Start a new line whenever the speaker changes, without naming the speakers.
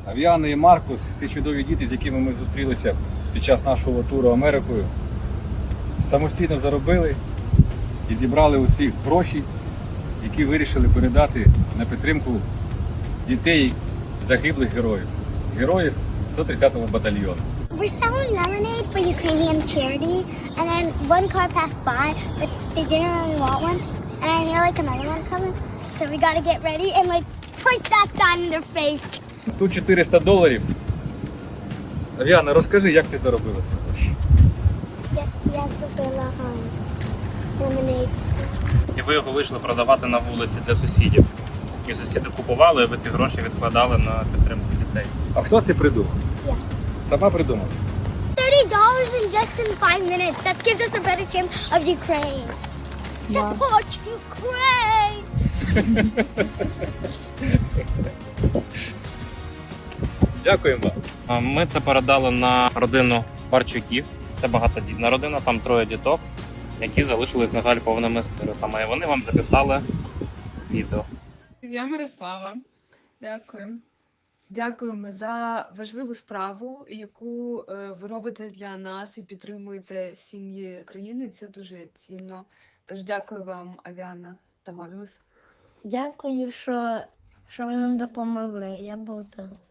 Авіана і Маркус, ці чудові діти, з якими ми зустрілися під час нашого туру Америкою, самостійно заробили і зібрали оці гроші, які вирішили передати на підтримку дітей загиблих героїв. Героїв 130-го батальйону.
We're selling lemonade for Ukrainian charity, and then one car passed by, but they didn't really want one, and I hear like another one coming, so we gotta get ready and like push that sign in their face.
Тут $400. Авіана, розкажи, як ти заробила ці гроші?
Я зробила lemonade.
І ви його вийшли продавати на вулиці для сусідів. І сусіди купували, і ви ці гроші відкладали на підтримку дітей.
А хто це придумав?
Я.
Сама придумала?
$30 in just in 5 minutes. That gives us a better chance of Ukraine. Support Ukraine!
Дякуємо вам.
Ми це передали на родину Барчуків. Це багатодітна родина, там 3 діток, які залишились, на жаль, повними сиротами. І вони вам записали відео.
Я Мирослава. Дякую. Дякуємо за важливу справу, яку ви робите для нас і підтримуєте сім'ї країни. Це дуже цінно. Тож дякую вам, Авіана та Маріус.
Дякую, що ви нам допомогли. Я був там.